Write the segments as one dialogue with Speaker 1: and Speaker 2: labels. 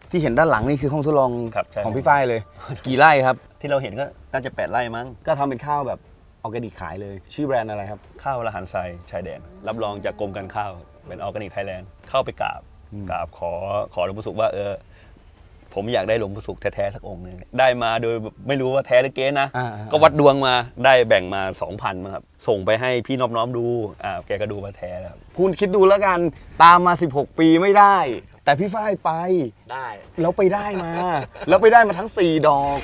Speaker 1: ที่เห็นด้านหลังนี่คือห้องทดลอง
Speaker 2: ครับใช่
Speaker 1: ของพี่ฝ้ายเลย กี่ไร่ครับ
Speaker 2: ที่เราเห็นก็น่าจะ8 ไร่มั้ง
Speaker 1: ก็ทำเป็นข้าวแบบออร์แกนิกขายเลย ชื่อแบรนด์อะไรครับ
Speaker 2: ข้าวละหันทรายชายแดน รับรองจากกรมการข้าวเป็นออร์แกนิกไทยแลนด์เข้าไปกราบขอหลวงปู่ศุกร์ว่าผมอยากได้หลวงปู่ศุกร์แท้ๆสักองค์หนึงได้มาโดยไม่รู้ว่าแท้หรือเก๊นะก็วัดดวงมาได้แบ่งมา 2,000มั้งครับส่งไปให้พี่น้อมดูแกก็ดูว่าแท้แล้ว
Speaker 1: คุณคิดดูแล้วกันตามมา16 ปีไม่ได้ แต่พี่ฝ้ายไป
Speaker 3: ได้
Speaker 1: แล้วไปได้มา แล้วไปได้มาทั้ง4 ดอก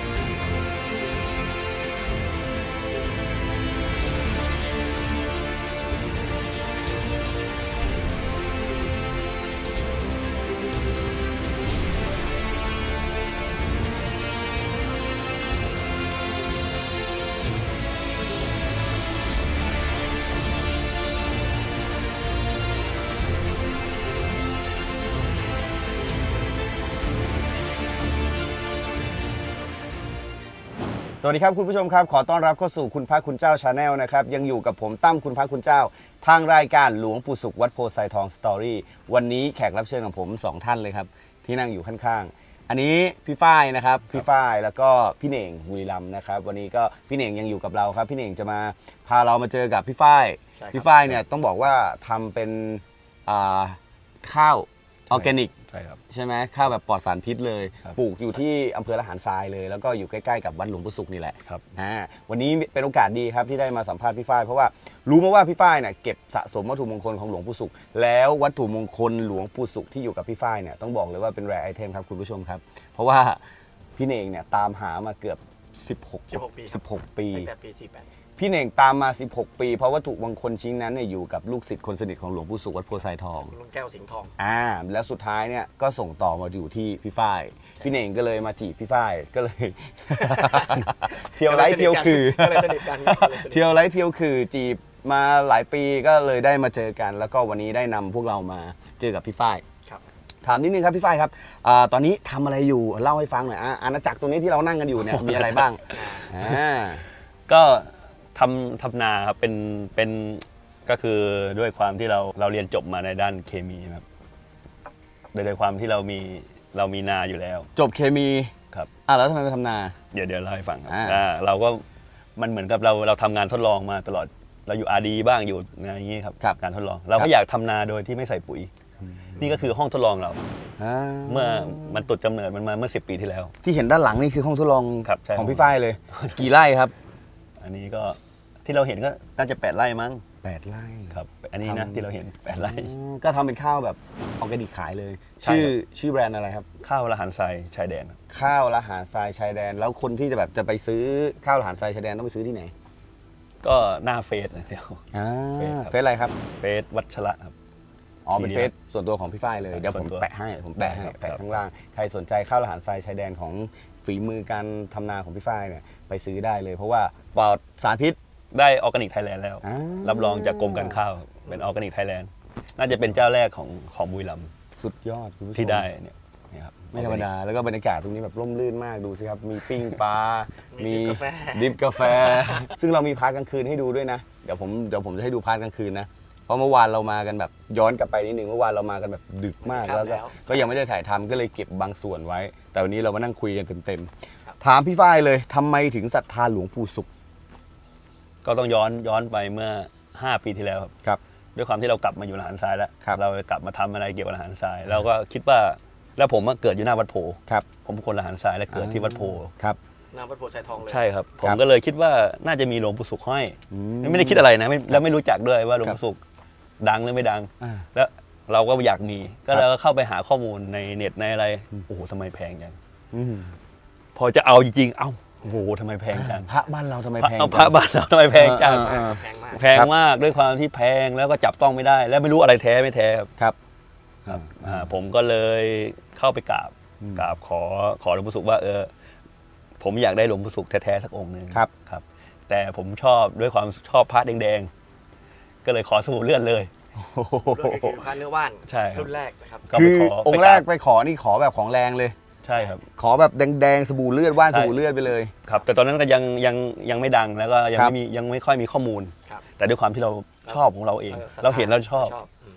Speaker 1: สวัสดีครับคุณผู้ชมครับขอต้อนรับเข้าสู่คุณพระคุณเจ้าชาแนลนะครับยังอยู่กับผมตั้มคุณพระคุณเจ้าทางรายการหลวงปู่ศุกร์วัดโพไซทองสตอรี่วันนี้แขกรับเชิญของผม2 ท่านเลยครับที่นั่งอยู่ข้างๆอันนี้พี่ฝ้ายนะครับพี่ฝ้ายแล้วก็พี่เหน่งบุรีรัมย์นะครับวันนี้ก็พี่เหน่งยังอยู่กับเราครับพี่เหน่งจะมาพาเรามาเจอกับพี่ฝ้ายพี่ฝ้ายเนี่ยต้องบอกว่าทำเป็นข้าวออร์แกนิก
Speaker 2: ใช่ครับ
Speaker 1: ใช่ไหมข้าวแบบปลอดสารพิษเลย
Speaker 2: ครับ
Speaker 1: ปลูกอยู่ที่อำเภอละหารทรายเลยแล้วก็อยู่ใกล้ๆกับวัดหลวงปู่ศุกร์นี่แหละ
Speaker 2: ครับ
Speaker 1: วันนี้เป็นโอกาสดีครับที่ได้มาสัมภาษณ์พี่ฝ้ายเพราะว่ารู้มาว่าพี่ฝ้ายเนี่ยเก็บสะสมวัตถุมงคลของหลวงปู่ศุกร์แล้ววัตถุมงคลหลวงปู่ศุกร์ที่อยู่กับพี่ฝ้ายเนี่ยต้องบอกเลยว่าเป็นแรร์ไอเทมครับคุณผู้ชมครับเพราะว่าพี่เน่งเนี่ยตามหามาเกือบ16 ปี
Speaker 3: ตั้งแต่ปี 48
Speaker 1: พี่เน่งตามมา16 ปีเพราะวัตถุมงคลชิ้นนั้นเนี่ยอยู่กับลูกศิษย์คนสนิทของหลวงปู่ศุกร์วัดโพไซทอง
Speaker 3: ลุงแก้วสิงห์ทอง
Speaker 1: แล้วสุดท้ายเนี่ยก็ส่งต่อมาอยู่ที่พี่ฝ้ายพี่เน่งก็เลยมาจีบพี่ฝ้ายก็เลย เที่ยวไร้เที่ยวคือ
Speaker 3: ก็เลยสนิทกัน
Speaker 1: เที่ยวไร้เที่ยวคือจีบมาหลายปีก็เลยได้มาเจอกัน แล้วก็วันนี้ได้นำพวกเรามาเจอกับพี่ฝ้าย
Speaker 3: ครับ
Speaker 1: ถามนิดนึงครับพี่ฝ้ายครับตอนนี้ทำอะไรอยู่เล่าให้ฟังหน่อยอาณาจักรตรงนี้ที่เรานั่งกันอยู่เนี่ยมีอะไรบ้าง
Speaker 2: ก็ทำนาครับเป็นก็คือด้วยความที่เราเรียนจบมาในด้านเคมีครับโดยความที่เรามีนาอยู่แล้ว
Speaker 1: จบเคมี
Speaker 2: ครับ
Speaker 1: แล้วทำไมไปทำนา
Speaker 2: เดี๋ยวเล่าให้ฟังครับ
Speaker 1: อ่า
Speaker 2: เราก็มันเหมือนกับเราทำงานทดลองมาตลอดเราอยู่อาร์ดีบ้างอยู่งานอย่างนี้ครับการทดลองเราก็อยากทำนาโดยที่ไม่ใส่ปุ๋ย นี่ก็คือห้องทดลองเราเมื่อมันตุดกำเนิดมันมาเมื่อ10 ปีที่แล้ว
Speaker 1: ที่เห็นด้านหลังนี่คือห้องทดลอง
Speaker 2: ครับใช่
Speaker 1: ของพี่ฝ้ายเลย กี่ไร่ครับ
Speaker 2: อันนี้ก็ที่เราเห็นก็น่าจะ8 ไร่มั้ง
Speaker 1: 8 ไร่
Speaker 2: ครับอันนี้นะที่เราเห็น8 ไร่
Speaker 1: ก็ทำเป็นข้าวแบบออร์แกนิกขายเลย
Speaker 2: ใช่ครับ
Speaker 1: ชื่อแบรนด์อะไรครับ
Speaker 2: ข้าวละหันทรายชายแดนครับ
Speaker 1: ข้าวละหารทรายชายแดน แล้วคนที่จะไปซื้อข้าวละหารทรายชายแดนต้องไปซื้อที่ไหน
Speaker 2: ก็หน้าเฟซนะเดี๋ยว
Speaker 1: เฟซอะไรครับ
Speaker 2: เฟซวัชระครับ
Speaker 1: เป็นเฟซส่วนตัวของพี่ฝ้ายเลย เดี๋ยวผม
Speaker 2: ส่วนตัว
Speaker 1: แปะให้แปะ
Speaker 2: ครับ
Speaker 1: ข้างล่าง ใครสนใจข้าวละหารทรายชายแดนของฝีมือการทำนาของพี่ฝ้ายเนี่ยไปซื้อได้เลย เพราะว่าปลอดสารพิษ
Speaker 2: ได้ออร์แกนิกไทยแลนด์แล้ว รับรองจากกรมการข้าวเป็นออร์แกนิกไทยแลนด์น่าจะเป็นเจ้าแรกของบุรีรัมย์
Speaker 1: สุดยอดคุณผู้ชม
Speaker 2: ที่ได้เนี่ยครับ
Speaker 1: ไม่ธรรมดา แล้วก็บรรยากาศตรงนี้แบบร่มรื่นมากดูสิครับ มีปิ้งปลา
Speaker 3: มี
Speaker 1: มี
Speaker 3: กาแฟ
Speaker 1: ดิฟกาแฟ ซึ่งเรามีพาร์ทกลางคืนให้ดูด้วยนะ เดี๋ยวผมจะให้ดูพาร์ทกลางคืนนะ เพราะเมื่อวานเรามากันแบบย้อนกลับไปนิดนึงเมื่อวานเรามากันแบบดึกมากแล้วก็ยังไม่ได้ถ่ายทำก็เลยเก็บบางส่วนไว้ แต่วันนี้เรามานั่งคุยกันเต็มๆถามพี่ฝ้ายเลยทำไมถึงศรัทธาหลวงปู่ศุกร์
Speaker 2: ก็ต้องย้อนไปเมื่อ5 ปีที่แล้วครับ
Speaker 1: ครับ
Speaker 2: ด้วยความที่เรากลับมาอยู่ละหันทรายแล้ว
Speaker 1: ครับ
Speaker 2: เรากลับมาทำอะไรเกี่ยวกับละหันทรายเราก็คิดว่าแล้วผมเกิดอยู่หน้าวัดโพ
Speaker 1: ครับ
Speaker 2: ผมเป็นคนละหันทรายและเกิดที่วัดโพ
Speaker 1: ครับ
Speaker 3: นามวัดโพธิ์ชัยทองเลย
Speaker 2: ใช่ครับผมก็เลยคิดว่าน่าจะมีหลวงปู่ศุกร์ห้อยไม่ได้คิดอะไรนะแล้วไม่รู้จักด้วยว่าหลวงปู่ศุกร์ดังหรือไม่ดัง แล้วเราก็อยากมีก็เราก็เข้าไปหาข้อมูลในเน็ตในอะไรโอ้โหทำไมแพงจังพอจะเอาจริงๆเอ้าโอ้โหทำไมแพงจัง
Speaker 1: พระบ้านเราทำไมแพง
Speaker 2: พระบ้านเราทำไมแพงจัง
Speaker 3: แพงมาก
Speaker 2: แพงมากด้วยความที่แพงแล้วก็จับต้องไม่ได้ แล้วไม่รู้อะไรแท้ไม่แท้ครับ
Speaker 1: ครับ
Speaker 2: ผมก็เลยเข้าไปกราบขอหลวงปู่ศุกร์ว่าผมอยากได้หลวงปู่ศุกร์แท้ๆสักองค์หนึ่ง
Speaker 1: ครับ
Speaker 2: ครับ แต่ผมชอบด้วยความชอบพระแดงๆก็เลยขอสมุดเลื่อนเลย
Speaker 3: เรื่องคือพระเนื้อว่าน
Speaker 2: ใช่ครับ
Speaker 3: รุ่นแรกนะครับ
Speaker 2: ก็
Speaker 1: คื
Speaker 2: ไป
Speaker 1: อ
Speaker 2: ขอ
Speaker 1: องค์แรกไปขอนี่ขอแบบของแรงเลย
Speaker 2: ใช่ครับ
Speaker 1: ขอแบบแดงๆสบู่เลือดว่าน
Speaker 2: ใช่
Speaker 1: สบู่เลือดไปเลย
Speaker 2: ครับ แต่ตอนนั้นก็ยังไม่ดังแล้วก็ยัง
Speaker 1: ครับ
Speaker 2: ไม่ค่อยมีข้อมูล
Speaker 3: ครับ
Speaker 2: แต่ด้วยความที่เราชอบของเราเอง เราเห็นเราชอบ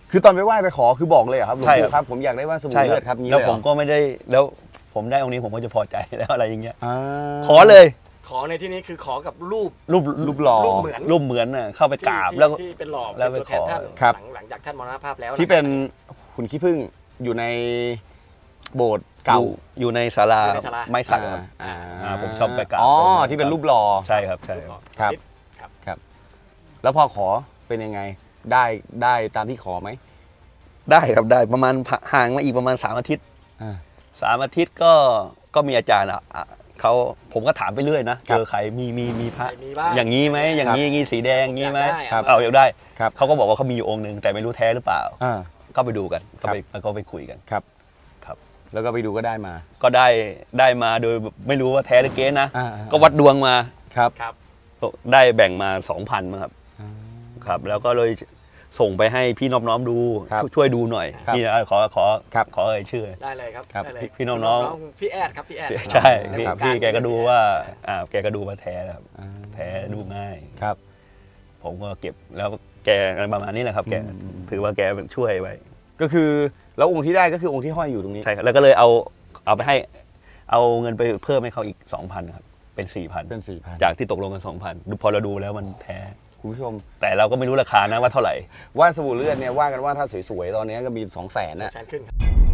Speaker 1: คือตอนไปไหว้ไปขอคือบอกเลยเหรอครับหลวง
Speaker 2: ใช่
Speaker 1: ปู่ครับผมอยากได้ว่านสบู่
Speaker 2: ใช่
Speaker 1: เลือดครับงี้
Speaker 2: แล้ว
Speaker 1: เลยเห
Speaker 2: ผ
Speaker 1: รอ
Speaker 2: มก็ไม่ได้แล้วผมได้องค์นี้ผมก็จะพอใจแล้วอะไรอย่างเงี้ย
Speaker 1: อ่า
Speaker 2: ขอเลย
Speaker 3: ขอในที่นี้คือขอกับรูป
Speaker 1: รูปหล่อ
Speaker 3: รูปเหมือน
Speaker 2: รูปเหมือนน่ะเข้าไปกราบ
Speaker 3: ที่
Speaker 2: แล้ว
Speaker 3: ที่เป็นหล่อ
Speaker 2: แล้ว
Speaker 3: เป็นตัวแทน
Speaker 2: ไปขอ
Speaker 3: ท่าน
Speaker 1: ครับ
Speaker 3: หลังจากท่านมรณภาพแล้ว
Speaker 1: ที่เป็นหุ่นขี้ผึ้งอยู่ในโบสถ์เก่า
Speaker 2: อยู่ในศาลา
Speaker 3: อยู่ในศาลา
Speaker 2: ไม้สักครับ ผมชอบไปกราบ
Speaker 1: อ๋อที่เป็นรูปหล่อ
Speaker 2: ใช่ครับใช่ครับ
Speaker 1: ครับ แล้วพอขอเป็นยังไงได้ตามที่ขอไหม
Speaker 2: ได้ครับได้ประมาณห่างมาอีกประมาณ3 อาทิตย์
Speaker 1: อ่า
Speaker 2: 3 อาทิตย์ก็มีอาจารย์เขาผมก็ถามไปเรื่อยนะ
Speaker 1: ครั
Speaker 2: เจ
Speaker 1: บ
Speaker 2: อใครมีพระ
Speaker 3: มีบ้าง
Speaker 2: อย่างนี้ไหมอย่างนี้สีแดงอย่างนี้ไหม
Speaker 3: ครับ
Speaker 2: เอาอยากได้
Speaker 1: ครับ
Speaker 2: เขาก็บอกว่าเขามีอยู่องค์หนึ่งแต่ไม่รู้แท้หรือเปล่า
Speaker 1: อ่า
Speaker 2: ก็ไปดูกัน
Speaker 1: ครับ
Speaker 2: ก็ไปคุยกัน
Speaker 1: แล้วก็ไปดูก็ได้มา
Speaker 2: ก็ได้มาโดยไม่รู้ว่าแท้หรือเก๊นะ
Speaker 1: อ่า
Speaker 2: ก็วัดดวงมา
Speaker 1: ครับ
Speaker 3: ครับ
Speaker 2: ได้แบ่งมา 2,000มั้งครับครับแล้วก็เลยส่งไปให้พี่น้องๆดู
Speaker 1: ครับ
Speaker 2: ช่วยดูหน่อย
Speaker 1: ครับ
Speaker 2: นี่ขอ
Speaker 1: ครับ
Speaker 2: ขอเอ่ยชื่อ
Speaker 3: ได้เลยครับ
Speaker 1: ครับ
Speaker 3: ได้เลย
Speaker 2: พี่น้องๆ
Speaker 3: พี่แอดครับพี่แอด
Speaker 2: ใช่
Speaker 3: ใน
Speaker 2: พี่
Speaker 3: วงาร
Speaker 2: พี่แกก็ดูว่าแกก็ดูว่าแท้ครับ
Speaker 1: อ่า
Speaker 2: แท้ดูง่าย
Speaker 1: ครับ
Speaker 2: ผมก็เก็บแล้วแกประมาณนี้แหละครับแก
Speaker 1: อืม
Speaker 2: ถือว่าแกช่วยไว้
Speaker 1: ก็คือแล้วองค์ที่ได้ก็คือองค์ที่ห้อยอยู่ตรงนี้
Speaker 2: ใช่ครับแล้วก็เลยเอาไปให้เอาเงินไปเพิ่มให้เขาอีก 2,000ครับเป็น 4,000
Speaker 1: เป็น4,000
Speaker 2: จากที่ตกลงกัน 2,000ดูพอเราดูแล้วมันแท้
Speaker 1: คุณผู้ชม
Speaker 2: แต่เราก็ไม่รู้ราคานะว่าเท่าไหร่
Speaker 1: ว่านสบู่เลือดเนี่ยว่ากันว่าถ้าสวยๆตอนนี้ก็มี 200,000นะ
Speaker 3: แสนขึ้นครับ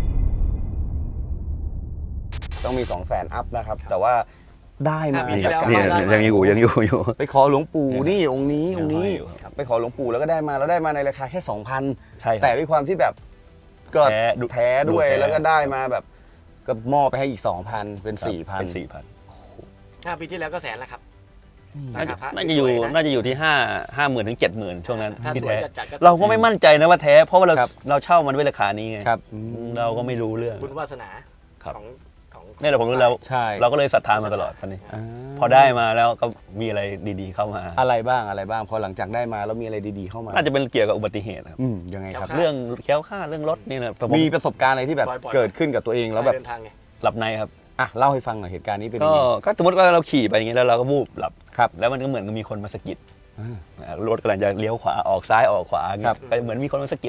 Speaker 1: ต้องมี 200,000อัพนะครับ แต่ว่าได้มา
Speaker 3: ปีที่แล้ว
Speaker 1: จาก
Speaker 2: นี่
Speaker 1: การ
Speaker 2: ยังอยู่
Speaker 1: ไปขอหลวงปู่นี่องค์นี้องค์นี้
Speaker 2: ยังห้อยอยู่ครับ
Speaker 1: ไปขอหลวงปู่แล้วก็ได้มาแล้วได้มาในราคาแค่ 2,000
Speaker 2: ใช่ครับ
Speaker 1: แต่ด้วยความที่แบบก็
Speaker 2: แท้ดู
Speaker 1: แท้ด้วย
Speaker 2: ดูแท้
Speaker 1: แล้วก็ได้มาแบบก็มอบไปให้อีก 2,000 เป็น
Speaker 2: เป็น
Speaker 1: 4,000
Speaker 3: 5 ปีที่แล้วก็แสนแล้วครับ
Speaker 2: น่าจะ
Speaker 3: พระ
Speaker 2: น่าจะอยู่
Speaker 3: สวๆ
Speaker 2: น่าจะอยู่ที่50,000 ถึง 70,000 ช่วงนั้น
Speaker 3: ถ้า
Speaker 2: ที่
Speaker 3: สวย
Speaker 2: แท้
Speaker 3: จัดๆก็
Speaker 2: เราก็ไม่มั่นใจนะว่าแท้ เพราะว่าเรา
Speaker 1: ครับ
Speaker 2: เราเช่ามันด้วยราคานี้ไง
Speaker 1: ครับ
Speaker 2: เราก็ไม่รู้เรื่อง
Speaker 3: บุญวาสนา
Speaker 2: ครับ
Speaker 3: ของ
Speaker 2: นี่แหละผมรู้แล้ว
Speaker 1: ใช่
Speaker 2: เราก็เลยศรัทธามาตลอดท่านนี้
Speaker 1: า
Speaker 2: พอได้มาแล้วก็มีอะไรดีๆเข้ามา
Speaker 1: อะไรบ้างพอหลังจากได้มาแล้วมีอะไรดีๆเข้ามา
Speaker 2: น่าจะเป็นเกี่ยวกับอุบัติเหตุครับ
Speaker 1: ยังไงครับ
Speaker 2: เรื่องแคล้วคลาดเรื่องรถนี่นะแต่ผม
Speaker 1: มีประสบการณ์อะไรที่แบบเกิดขึ้นกับตัวเองแล้วแบบ
Speaker 3: เดินทางไง
Speaker 2: หลับในครับ
Speaker 1: อ่ะเล่าให้ฟังหน่อยเหตุการณ์นี้เป็นยั
Speaker 2: ก็
Speaker 1: งไง
Speaker 2: ก็สมมติว่าเราขี่ไปอย่างเงี้ยแล้วเราก็วูบหลับ
Speaker 1: ครับ
Speaker 2: แล้วมันก็เหมือนมีคนมาสะกิด
Speaker 1: อ่าร
Speaker 2: ถกำลังจะเลี้ยวขวาออกซ้ายออกขวาอย่าง
Speaker 1: ครั
Speaker 2: เงี้
Speaker 1: บ
Speaker 2: ยก็เหมือนมีคนมาสะกิด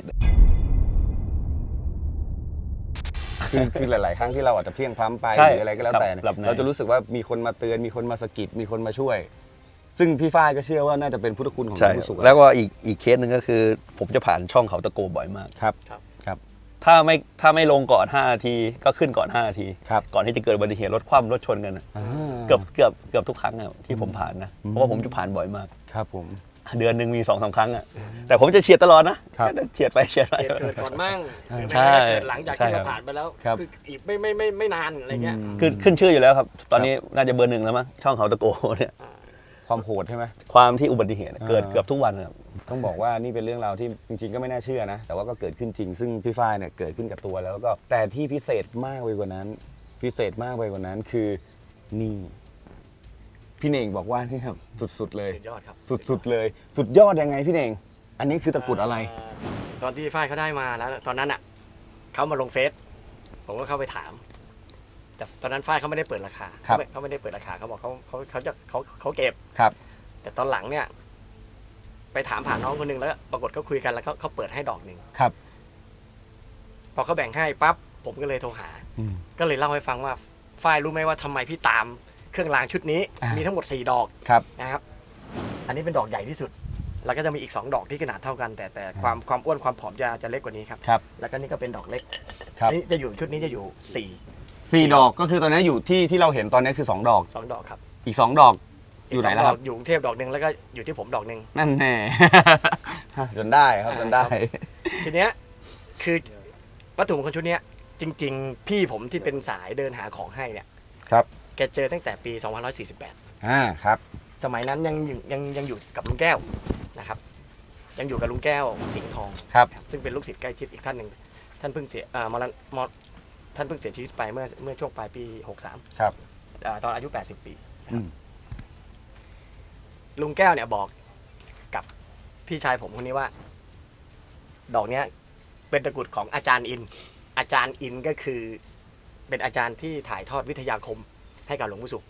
Speaker 1: คือหลาย ๆ ครั้งที่เราอาจจะเพลียงพล้ำไป
Speaker 2: ใช่
Speaker 1: หรืออะไรก็แล้วแต่เนี่ย
Speaker 2: หลับใน
Speaker 1: เราจะรู้สึกว่ามีคนมาเตือนมีคนมาสะกิดมีคนมาช่วย ซึ่งพี่ฝ้ายก็เชื่อว่าน่าจะเป็นพุทธคุณของหล
Speaker 2: ใช่
Speaker 1: วงปู่สุข
Speaker 2: แล้วก็อีกเคสหนึ่งก็คือ ผมจะผ่านช่องเขาตะโกบ่อยมาก
Speaker 1: ครับ
Speaker 2: ถ้าไม่ลงก่อน5 นาทีก็ขึ้นก่อน5 นาที
Speaker 1: ครับ
Speaker 2: ก่อนที่จะเกิดอุบัติเหตุรถคว่ำรถชนกันน่ะ
Speaker 1: อ่า
Speaker 2: เกือบทุกครั้งอะที่ผมผ่านนะเพราะว่าผมจะผ่านบ่อยมาก
Speaker 1: ครับผม
Speaker 2: เดือนหนึ่งมี2-3 ครั้งอะแต่ผมจะเฉียดตลอดนะครับ เฉียดไปเฉียดไป
Speaker 3: เหตุเกิดก่อนมั่งหรือ
Speaker 2: ใช่
Speaker 3: ไม่ก็เกิดหลังจาก
Speaker 2: ใช่
Speaker 3: ที่
Speaker 2: ครั
Speaker 3: เรา
Speaker 2: บ
Speaker 3: ผ่านไปแล้ว
Speaker 1: ครับ
Speaker 3: คืออีกไม่นานอะไรเงี้ย
Speaker 2: ขึ้นชื่ออยู่แล้วครับ ตอนนี้น่าจะเบอร์ 1แล้วมั้งช่องเขาตะโกเนี่ย
Speaker 1: ความโหดใช่ไหม
Speaker 2: ความที่อุบัติเหตุเกิด
Speaker 1: อ่า
Speaker 2: เกือบทุกวันครับ
Speaker 1: ต้องบอกว่านี่เป็นเรื่องราวที่จริง ๆ ก็ไม่น่าเชื่อนะ แต่ว่าก็เกิดขึ้นจริง ซึ่งพี่ฝ้ายเนี่ยเกิดขึ้นกับตัวแล้วก็แต่ที่พิเศษมากไปกว่านั้น พิเศษมากไปกว่านั้นคือนี่พี่เน่งบอกว่านี่ครับสุดๆเลย
Speaker 3: สุดยอดครับ
Speaker 1: สุดๆเลย สุดยอดยังไงพี่เน่งอันนี้คือตะกรุดอะไร
Speaker 3: ตอนที่ฝ้ายเขาได้มาแล้วตอนนั้นอ่ะเขามาลงเฟซผมก็เข้าไปถาม แต่ตอนนั้นฝ้ายเขาไม่ได้เปิดราคา
Speaker 1: ครับ
Speaker 3: เขาไม่ได้เปิดราคาเขาบอกเขาเก็บ
Speaker 1: ครับ
Speaker 3: แต่ตอนหลังเนี่ย ไปถามผ่านน้องคนหนึงแล้วปรากฏเขาคุยกันแล้วเขาเปิดให้ดอกหนึ่ง
Speaker 1: ครับ
Speaker 3: พอเขาแบ่งให้ปั๊บผมก็เลยโทรหา ก็เลยเล่าให้ฟังว่าฝ้ายรู้ไหมว่าทำไมพี่ตามเครื่องรางชุดนี้
Speaker 1: อ่ามี
Speaker 3: มีทั้งหมด4 ดอก
Speaker 1: ครับ
Speaker 3: นะครับ อันนี้เป็นดอกใหญ่ที่สุด แล้วก็จะมีอีก2 ดอกที่ขนาดเท่ากัน แต่ความอ้วนความผอมจะเล็กกว่านี้ครับ
Speaker 1: ครับ
Speaker 3: แล้วก็นี่ก็เป็นดอกเล็ก
Speaker 1: ครับ
Speaker 3: นี่จะอยู่ชุดนี้จะอยู่
Speaker 1: 4 ดอกก็คือตอนนี้อยู่ที่เราเห็นตอนนี้คือ 2 ดอก
Speaker 3: 2 ดอกครับ
Speaker 1: อีก 2 ดอกอยู่ไหน
Speaker 3: ก
Speaker 1: แล้ว
Speaker 3: ส
Speaker 1: ค
Speaker 3: ง
Speaker 1: รับ
Speaker 3: ดอกอยู่กรุงเทพดอกหนึ่งแล้วก็อยู่ที่ผมดอกหนึ่ง
Speaker 1: นั่นแน่ จนได้ครับจนได้
Speaker 3: ทีเนี้ยคือวัตถุมงคลชุดเนี้ยจริง ๆ พี่ผมที่เป็นสายเดินหาของให้เนี่ย
Speaker 1: ครับ
Speaker 3: แกเจอตั้งแต่ปี 2548
Speaker 1: ครับ
Speaker 3: สมัยนั้นยังอยู่กับลุงแก้วนะครับ ยังอยู่กับลุงแก้วสิงห์ทอง
Speaker 1: ครับ
Speaker 3: ซึ่งเป็นลูกศิษย์ใกล้ชิดอีกท่านหนึ่งท่านเพิ่งเสียท่านเพิ่งเสียชีวิตไปเมื่อช่วงปลายปี 63
Speaker 1: ครับ
Speaker 3: ตอนอายุ 80 ปี
Speaker 1: อืม
Speaker 3: ลุงแก้วเนี่ยบอกกับพี่ชายผมคนนี้ว่า ดอกเนี้ยเป็นตะกรุดของอาจารย์อิน อาจารย์อินก็คือเป็นอาจารย์ที่ถ่ายทอดวิทยาคมให้กับหลวงปู่ศุกร์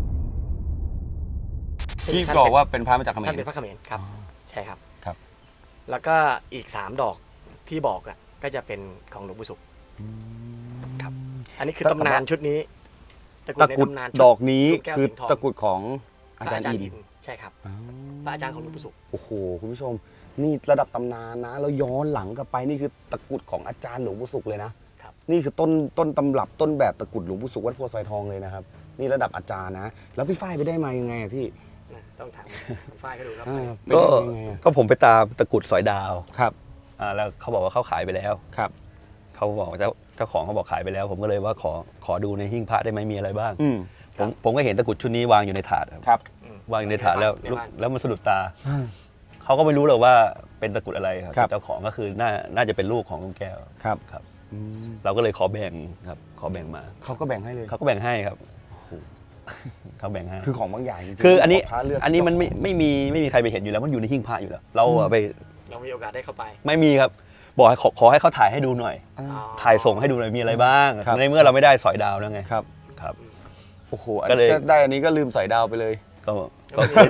Speaker 1: ที่บอกว่าเป็นพระมาจากเขม
Speaker 3: ท่าน
Speaker 1: ร
Speaker 3: เป็นพระเขมรครับ ใช่ครับ
Speaker 1: ครับ
Speaker 3: แล้วก็อีก3 ดอกที่บอกอ่ะก็จะเป็นของหลวงปู่ศุกร์ครับอันนี้คือตำนานชุดนี้ตะกรุ
Speaker 1: ตะ
Speaker 3: ดใน
Speaker 1: กรุด
Speaker 3: ตำนาน
Speaker 1: ดอกนี้
Speaker 3: ลูกแก้ว
Speaker 1: คือ
Speaker 3: สิงห์ทอง
Speaker 1: ตะกรุดของ
Speaker 3: พ
Speaker 1: อา
Speaker 3: ระ
Speaker 1: จาร
Speaker 3: อา
Speaker 1: ย์
Speaker 3: จารย์
Speaker 1: อิ
Speaker 3: อิ
Speaker 1: น
Speaker 3: นใช่ครับ
Speaker 1: อ๋อ
Speaker 3: พระอาจารย์ของหลวงปู่ศุกร์
Speaker 1: โอ้โหคุณผู้ชม นี่ระดับตำนานนะแล้วย้อนหลังกลับไปนี่คือตะกรุดของอาจารย์หลวงปู่ศุกร์เลยนะครับ นี่คือต้นตำรับต้นแบบตะกรุดหลวงปู่ศุกร์วัดโพไซทองเลยนะครับนี่ระดับอาจารย์นะ แล้วพี่ฝ้ายไปได้มายังไงอะพี่
Speaker 3: นะต้องถามคุณฝ้ายเขาดูครับ
Speaker 1: ไป
Speaker 2: ก็
Speaker 1: ได้ยังไงอะ
Speaker 2: ก็ผมไปตามตะกรุดสอยดาว
Speaker 1: ครับ
Speaker 2: แล้วเขาบอกว่าเขาขายไปแล้ว
Speaker 1: ครับ
Speaker 2: เขาบอกเจ้าของเขาบอกขายไปแล้ว ผมก็เลยว่าขอดูในหิ้งพระได้ไหมมีอะไรบ้าง
Speaker 1: อืม
Speaker 2: ผมก็เห็นตะกรุดชุดนี้วางอยู่ในถาดครับ
Speaker 1: ครับ
Speaker 2: วางอยู่ในถาดแล้ว
Speaker 3: ในบ้าน
Speaker 2: แล้วมันสะดุดตา เขาก็ไม่รู้หรอกว่าเป็นตะกรุดอะไรครับ
Speaker 1: ครับ
Speaker 2: เจ้าของก็คือน่าจะเป็นลูกของลุงแก้ว
Speaker 1: ครับ
Speaker 2: ครับ
Speaker 1: อืม
Speaker 2: เราก็เลยขอแบ่งครับขอแบ่งมา
Speaker 1: เขาก็แบ่งให้เลย
Speaker 2: เขาก็แบ่งให้ครับเขาแบ่งให้
Speaker 1: คือของบางอย่างจริงๆ
Speaker 2: คืออันนี้
Speaker 1: พระเลือก
Speaker 2: อันนี้มันไม่มีใครไปเห็นอยู่แล้วมันอยู่ในหิ้งพระอยู่แล้ว เราอะไป
Speaker 3: เรามีโอกาสได้เข้าไป
Speaker 2: ไม่มีครับ บอกให้ขอให้เขาถ่ายให้ดูหน่อย
Speaker 1: อ่า
Speaker 3: อ๋อ
Speaker 2: ถ่ายส่งให้ดูหน่อยมีอะไรบ้าง
Speaker 1: ครับ
Speaker 2: ในเมื่อเราไม่ได้สอยดาวแล้วไง
Speaker 1: ครับ
Speaker 2: ครับ
Speaker 1: โอ้โหอัน
Speaker 2: ก็เลย
Speaker 1: นี้ได้อันนี้ก็ลืมใส่ดาวไปเลย
Speaker 2: ก็
Speaker 3: ก็มี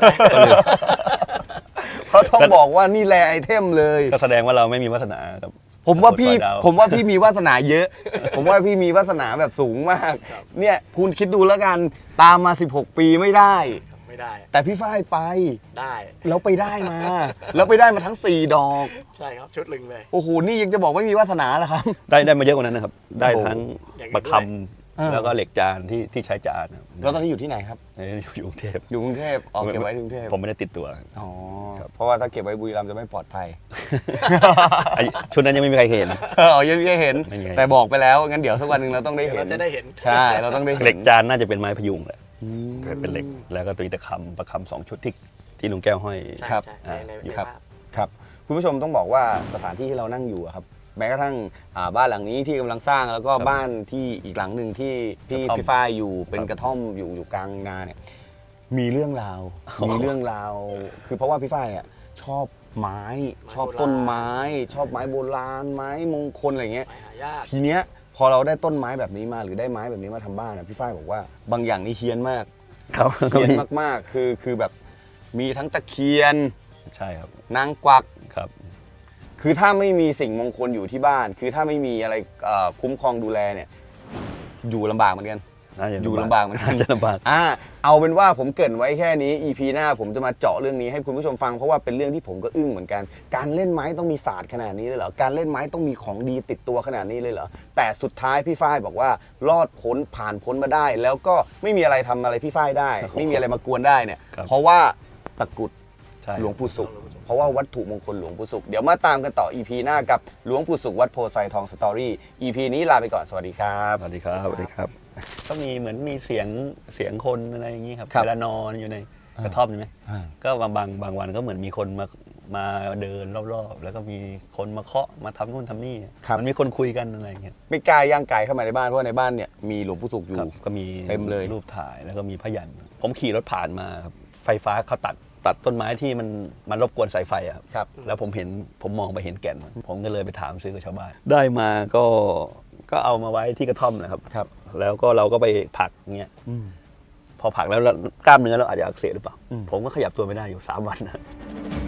Speaker 1: เพราะต้องบอกว่านี่แลไอเทมเลย
Speaker 2: ก็แสดงว่าเราไม่มีวาสนากับ
Speaker 1: ผมว่าพี่
Speaker 2: สอยดาว
Speaker 1: ผมว่าพี่มีวาสนาเยอะ ผมว่าพี่มีวาสนาแบบสูงมาก
Speaker 3: ครับ
Speaker 1: เนี่ยคุณคิดดูแล้วกันตามมา 16 ปีไม่ได้
Speaker 3: ไม่ได้
Speaker 1: แต่พี่ฝ้ายไป
Speaker 3: ได้
Speaker 1: แล้วไปได้มา แล้วไปได้มาทั้ง 4 ดอก
Speaker 3: ใช่ครับชุดลึงเลย
Speaker 1: โอ้โหนี่ยังจะบอกไม่มีวาสนาเหรอครับ
Speaker 2: ได้มาเยอะกว่านั้นนะครับ ได้ทั้ง
Speaker 3: อย่างอื่น
Speaker 2: ประค
Speaker 1: อ่า
Speaker 2: ำแล้วก็เหล็กจานที่ใช้จานครับ
Speaker 1: แล้วตอนนี้อยู่ที่ไหนครับ
Speaker 2: อยู่กรุงเทพ
Speaker 1: อยู่กรุงเทพออกเก็บไว้ที่กรุงเทพ
Speaker 2: ผมไม่ได้ติดตัว
Speaker 1: อ๋อ
Speaker 2: ครับ
Speaker 1: เพราะว่าถ้าเก็บไว้บุรีรัมย์จะไม่ปลอดภัย
Speaker 2: ไอ้ชุดนั้นยังไม่มีใครเห็น
Speaker 1: ยังไม่เห็น
Speaker 2: ไม่มีใคร
Speaker 1: แต่บอกไปแล้วงั้นเดี๋ยวสักวันหนึ่งเราต้องได้
Speaker 3: เดี๋ยว
Speaker 1: เห็
Speaker 3: เรา
Speaker 1: น
Speaker 3: จะได้เห็น
Speaker 1: ใช่เราต้องได้เห็น
Speaker 2: เหล็กจานน่าจะเป็นไม้พยุงแหละ
Speaker 1: อืม
Speaker 2: เป็นเหล็กแล้วก็ตัวนี้ตะคำประคำสองชุดที่ลุงแก้วห้อย
Speaker 3: ใช่
Speaker 1: ครับ
Speaker 3: ใช่ใน
Speaker 2: ครับ
Speaker 3: ภาพ
Speaker 1: ครับคุณผู้ชมต้องบอกว่าสถานที่ที่เรานั่งอยู่อะครับแม้กระทั่งบ้านหลังนี้ที่กำลังสร้างแล้วก็
Speaker 2: ครับ
Speaker 1: บ้านที่อีกหลังหนึ่งที่
Speaker 2: กระท่อม
Speaker 1: พี่ฝ้ายอยู่เป็น
Speaker 2: ครับ
Speaker 1: กระท่อมอยู่กลางนาเนี่ยมีเรื่องราว
Speaker 2: อ๋อ
Speaker 1: มีเรื่องราว คือเพราะว่าพี่ฝ้ายอ่ะชอบไม้ชอบต้นไม้ ชอบไม้โบราณไม้มงคลอะไรเงี้ย
Speaker 3: ไม้หายาก
Speaker 1: ทีเนี้ยพอเราได้ต้นไม้แบบนี้มาหรือได้ไม้แบบนี้มาทำบ้านอะพี่ฝ้ายบอกว่าบางอย่างนี่เฮี้ยนมาก
Speaker 2: ครับ
Speaker 1: เฮี้ยนมากๆคือแบบมีทั้งตะเคียน
Speaker 2: ใช่ครับ
Speaker 1: นางกวัก
Speaker 2: ครับ
Speaker 1: คือถ้าไม่มีสิ่งมงคลอยู่ที่บ้าน คือถ้าไม่มีอะไรคุ้มครองดูแลเนี่ย อยู่ลำบากเหมือนกัน
Speaker 2: น่าจะ
Speaker 1: อยู่ลำบากเหมือนกัน
Speaker 2: น่าจะลำบาก
Speaker 1: เอาเป็นว่าผมเกรินไว้แค่นี้ EP หน้าผมจะมาเจาะเรื่องนี้ให้คุณผู้ชมฟังเพราะว่าเป็นเรื่องที่ผมก็อึ้งเหมือนกัน การเล่นไม้ต้องมีศาสตร์ขนาดนี้เลยเหรอ การเล่นไม้ต้องมีของดีติดตัวขนาดนี้เลยเหรอ แต่สุดท้ายพี่ฝ้ายบอกว่ารอดพ้นผ่านพ้นมาได้ แล้วก็ไม่มีอะไรทำอะไรพี่ฝ้ายได้ ไม่มีอะไรมากวนได้เนี่ย
Speaker 2: ครับ
Speaker 1: เพราะว่าตะกรุด
Speaker 2: ใช่
Speaker 1: หลวงปู่ศุกร์เพราะว่าวัตถุมงคลหลวงปู่ศุกร์เดี๋ยวมาตามกันต่อ EP หน้ากับหลวงปู่ศุกร์วัดโพไซทองสตอรี่ EP นี้ลาไปก่อนสวัสดีครับ
Speaker 2: สวัสดีครับสวัสดีครับ ก็มีเหมือนมีเสียงคนอะไรอย่างนี้ครับ
Speaker 1: ครับ
Speaker 2: เวลานอนอยู่ในกระท่อมใช่ไหมก็บางวันก็เหมือนมีคนมาเดินรอบๆ แล้วก็มีคนมาเคาะมาทำนู่นทำนี่
Speaker 1: ครับ
Speaker 2: มันมีคนคุยกันอะไรอย่างเงี้ย
Speaker 1: ไม่กล้าย่างกายเข้ามาในบ้านเพราะว่าในบ้านเนี่ยมีหลวงปู่ศุกร์อยู่
Speaker 2: ครับก็มี
Speaker 1: เต็มเลย
Speaker 2: รูปถ่ายแล้วก็มีพยัญชนะผมขี่รถผ่านมาครับไฟฟ้าเขาตัดต้นไม้ที่มันรบกวนสายไฟอะครับ
Speaker 1: ครับ
Speaker 2: แล้วผมมองไปเห็นแก่นมันผมก็เลยไปถามซื้อกับชาวบ้าน ได้มาก็เอามาไว้ที่กระท่อมนะครับ
Speaker 1: ครับ
Speaker 2: แล้วก็เราก็ไปผักเงี้ยพอผักแล้วกล้ามเนื้อเราอาจจะอักเสบหรือเปล่า ผมก็ขยับตัวไม่ได้อยู่3 วันนะ